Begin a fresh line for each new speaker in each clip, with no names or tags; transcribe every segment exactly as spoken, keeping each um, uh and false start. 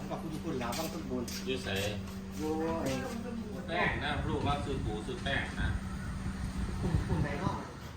กับคุณคุณแล้วบ้างคุณบุญ
ยืดใส่
โอ้ย
แป้งนะลูกว่าซื้อปูซื้อแป้งนะ
คุณคุณไหนเนาะ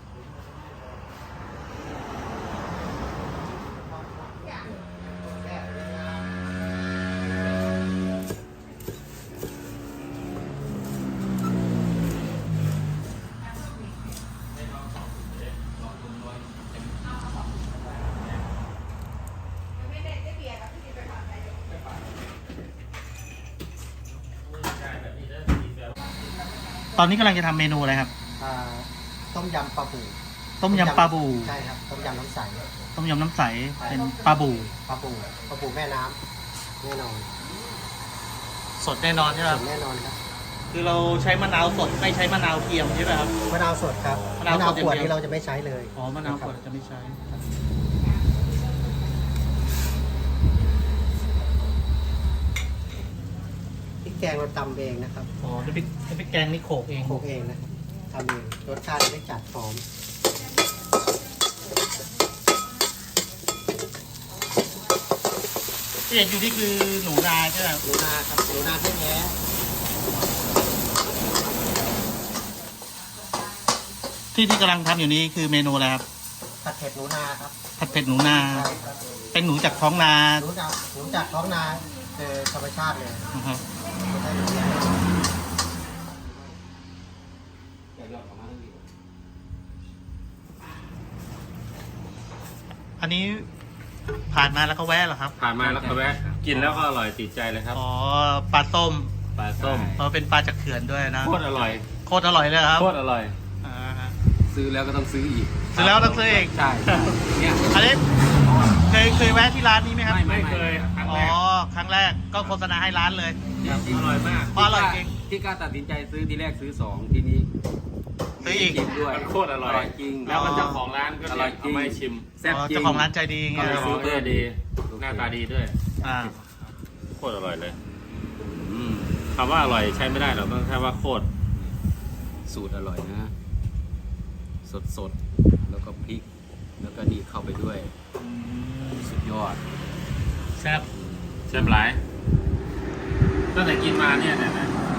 ตอนนี้กำลังจะทำเมนูอะไรครับ
อ่าต้มยำปลาบู
ต้มยำปลาบู
ใช่ครับต้มยำน้ำใส
ต้มยำน้ำใส เป็นปลาบู
ปลาบูปลาบูแม่น้ำแน่นอน
สดแน่นอนใช่ไหมค
ส
รับ
ดแน่นอนครับ
คือเราใช้มะนาวสดไม่ใช้มะนาวเทียมใช่ไหมครับ
มะนาวสดครับ
มะนาวสด
ขวด
อย่างเดียว
นี้เราจะไม่ใช้เลย
อ๋อ มะนาวขวดจะไม่ใช้
พริกแกงเราตำเองนะครับ
อ๋อนี่พริกนี่พริกแกงนี่โขลกเอง
โขลกเองนะครับทำเองรสชาติไม่จัดหอม
ที่เห็นอยู่นี่คือหนูนาใช่ไหมครับ
หนูนาครับหนูนาแท้
ที่ที่กำลังทำอยู่นี้คือเมนูอะไรครับ
ๆผัดเผ็ดหนูนาครับ
ผัดเผ็ดหนูนา
ใช่ครับ
เป็นหนูจากท้องนา
หนูจากหนูจากท้องนาคือธรรมชาติเลย
นะครับ
ไม่ได้เลี้ยง
อันนี้ผ่านมาแล้วก็แวะเหรอครับ
ผ่านมาแล้วก็แวะกินแล้วก็อร่อยติดใจเลยครับ
อ๋อ ปลาส้ม
ปลาส้ม
เพราะเป็นปลาจากเขื่อนด้วยนะ
โคตรอร่อย
โคตรอร่อยเลยครับ
โคตรอร่อย
อ่าฮะ
ซื้อแล้วก็ต้องซื้ออีก
ซื้อแล้วต้องซื้อเอง
ใช่เนี่ย
อันนี้เคยเคยแวะที่ร้านนี้ไหมครับ
ไม่เคยครั้ง
อ๋
แร
อก ครั้งแรกก็โฆษณาให้ร้านเลย
จริง
อร่อยมาก
เพราะอร่อยจริง
ที่กล้าตัดสินใจซื้อทีแรกซื้อสองทีนี้
ซื้ออีก
จริงด้วย
มันโคตรอร่อย
จริง
แล้วก็เจ้าของร้านก็
อร่อยจริ
เอา
ง
ไม่ชิม
แซ่บ
อ๋อ
จริง
เจ้าของร้านใจดีไง
ก็เลย
เ
ซื้อ
บอร์ดีหน้าตาดีด้วย
อ่า
โคตรอร่อยเลยอืมคำว่าอร่อยใช้ไม่ได้หรอกต้องแค่ว่าโคตร
สูตรอร่อยนะ สดสดๆแล้วก็พริก แล้วก็นี่เข้าไปด้วย สุดยอด
แซ่บ
แซ่บหลายตั้งแต่กินมาเนี่ยเนี่ยนะ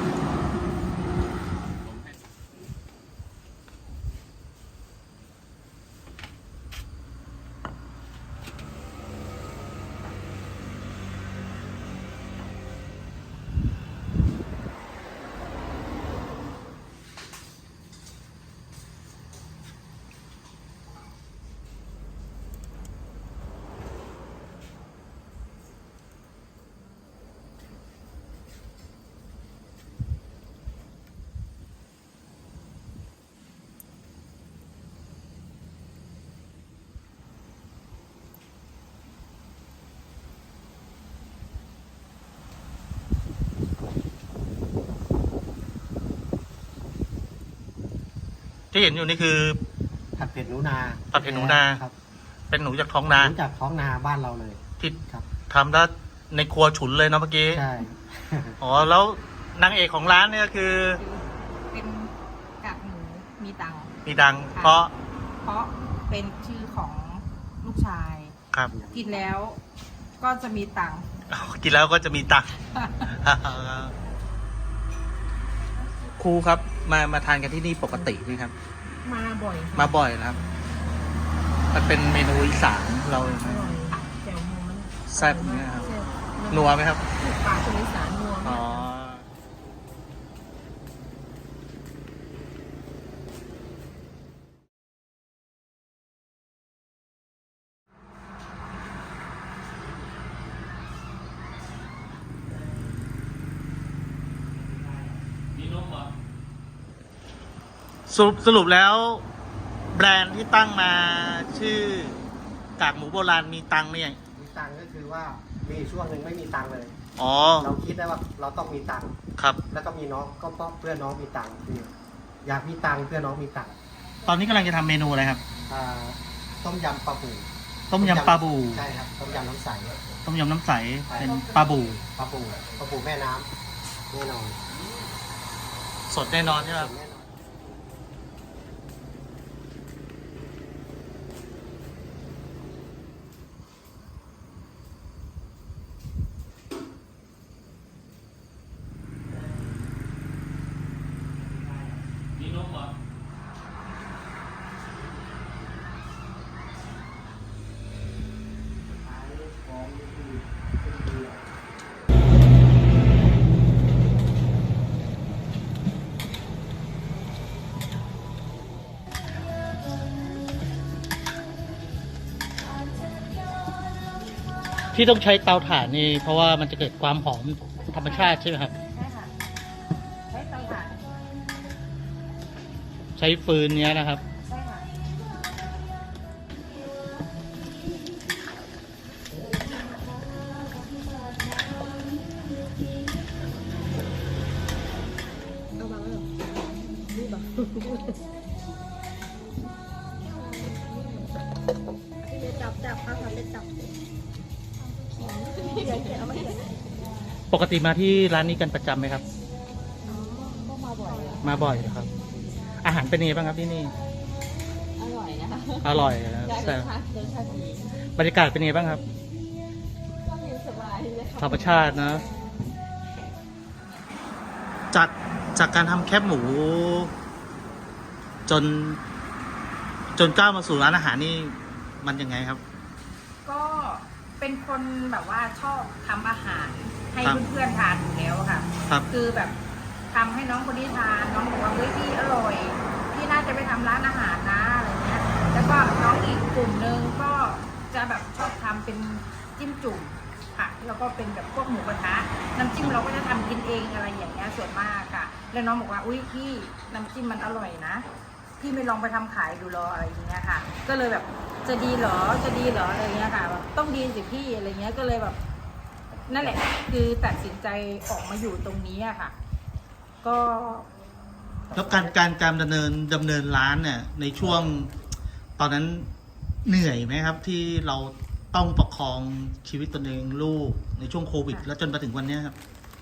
ที่เห็นอยู่นี่คือ
ผัดเผ็ดหนูนา
ผัดเผ็ดหนูนา
ครับ
เป็นหนูจากท้องนา
หนูจากท้องนาบ้านเราเลย
ที่
ครับ
ทำแล้วในครัวฉุนเลยเนาะเมื่อกี้
ใช่
อ๋อแล้วนางเอกของร้านเนี่ยคือ
เป็นกากหมูมีตังค์
มีดัง เพราะ
เพราะเป็นชื่อของลูกชาย
ครับ
กินแล้วก็จะมีตังค์
กินแล้วก็จะมีตังค์ ครูครับมามาทานกันที่นี่ปกติไหมครับ
มาบ่อยค่ะ
มาบ่อยนะครับ มันเป็นเมนูอีสานเรา
อร่อยแจ่วมูมัน
แซ่บเนี่ยครับ
แซ่บ
นัวไหมครับ
ปลาคนอีสานนัว
อ๋อ
มาก
มีนมเหรอ
สรุปสรุปแล้ว แบรนด์ที่ตั้งมาชื่อกากหมูโบราณมีตังค์ไหมเนี่ย
มีตังค์ก็คือว่ามีช่วงหนึ่งไม่มีตังค์เลย
อ๋อ
เราคิดได้ว่าเราต้องมีตังค์
ครับ
แล้วก็มีน้องก็เพราะเพื่อนน้องมีตังค์คืออยากมีตังค์เพื่อนน้องมีตังค์
ตอนนี้กำลังจะทำเมนูอะไรครับ
อ่าต้มยำปลาบู
ต้มยำปลาบู
ใช่ครับต้มยำน้ำใส
ต้มยำน้ำใส เป็นปลาบู
ปลาบูปลาบูแม่น้ำแน่นอน
สดแน่นอนใช่ไหมครับ
แน่นอน
ที่ต้องใช้เตาถ่านนี่เพราะว่ามันจะเกิดความหอมธรรมชาติใช่ไหมครับ
ใช่ค่ะใช้เตาถ่าน
ใช้ฟืนเนี้ยนะครับ
ใช่ค่ะเอามาแล้วนี่บอกพี่เมย์จับจับเอาค่ะเป็นจับเขียนเขียนเอามาเขียน
ปกติมาที่ร้านนี้กันประจำไหมครับ
อ๋อก็มาบ่อยอะ
มาบ่อยเหรอครับ อาหารเป็นยังไงบ้างครับที่นี่
อร่อยนะคะ
อร่อยนะ
ได้ร
แต่
สชาติรสชาติดี
บรรยากาศเป็นยังไงบ้างครับ
ก็มีสบายเลยค่ะ
ธรรมชาตินะ จากจากการทำแคบหมู จน จนก้าวมาสู่ร้านอาหารนี่มันยังไงครับ
ก็เป็นคนแบบว่าชอบทำอาหารให้
ครับ
เพื่อนๆทานอยู่แล้วอะค่ะ
ครับ
คือแบบทำให้น้องคนนี้ทานน้องบอกว่าเฮ้ยพี่อร่อยพี่น่าจะไปทำร้านอาหารนะอะไรเงี้ยแล้วก็น้องอีกกลุ่มหนึ่งก็จะแบบชอบทำเป็นจิ้มจุ่มค่ะแล้วก็เป็นแบบพวกหมูกระทะน้ำจิ้มเราก็จะทำกินเองอะไรอย่างเงี้ยส่วนมากค่ะแล้วน้องบอกว่าอุ้ยพี่น้ำจิ้มมันอร่อยนะพี่ไม่ลองไปทำขายดูหรออะไรอย่างเงี้ยค่ะ ก็เลยแบบจะดีเหรอจะดีเหรออะไรเงี้ยค่ะแบบต้องดีสิพี่อะไรเงี้ยก็เลยแบบ นั่นแหละคือตัดสินใจออกมาอยู่ตรงนี้อะค่ะ ก็
แล้วการการการดำเนินดำเนินร้านเนี่ย ในช่วงตอนนั้นเหนื่อยไหมครับ ที่เราต้องประคองชีวิตตนเองลูกในช่วงโควิด แล้วจนมาถึงวันเนี้ยครับ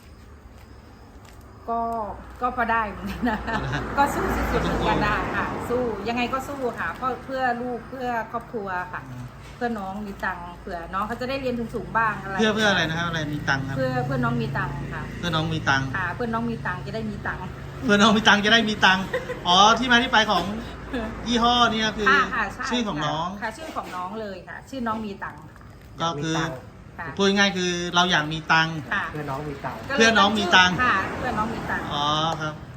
ก็ก็พอได้เหมือนกันนะ
เอาละฮะ
ก็สู้สุดๆเหมือนกันได้ค่ะ สู้ยังไงก็สู้ค่ะเพราะเพื่อลูกเพื่อครอบครัวค่ะ เพื่อน้องมีตังค์เผื่อน้องเขาจะได้เรียนสูงๆบ้างอะไร
เพื่อเพื่ออะไรนะครับอะไรมีตังค์ครับ
เพื่อเพื่อน้องมีตังค์ค่ะ
เพื่อน้องมีตังค์
ค่ะ เพื่อน้องมีตังค์จะได้มีตังค์
เพื่อน้องมีตังค์จะได้มีตังค์อ๋อที่มาที่ไปของยี่ห้อเนี่ยคือ
ค่ะค่ะใช่
ชื่อของน้อง
ค่ะ ชื่อของน้องเลยค่ะ ชื่อน้องมีตังค์ค่ะ
ก็คือ
มีตังค์
ค่ะ
พูดง่ายๆคือเราอยากมีตังค์
ค่ะ
เพื่อน้องมีตังค์
ก็ลย
เพื่อน้องมีตังค์
ค่ะ เพื่อน้องมีตังค์
อ๋อครับ
ค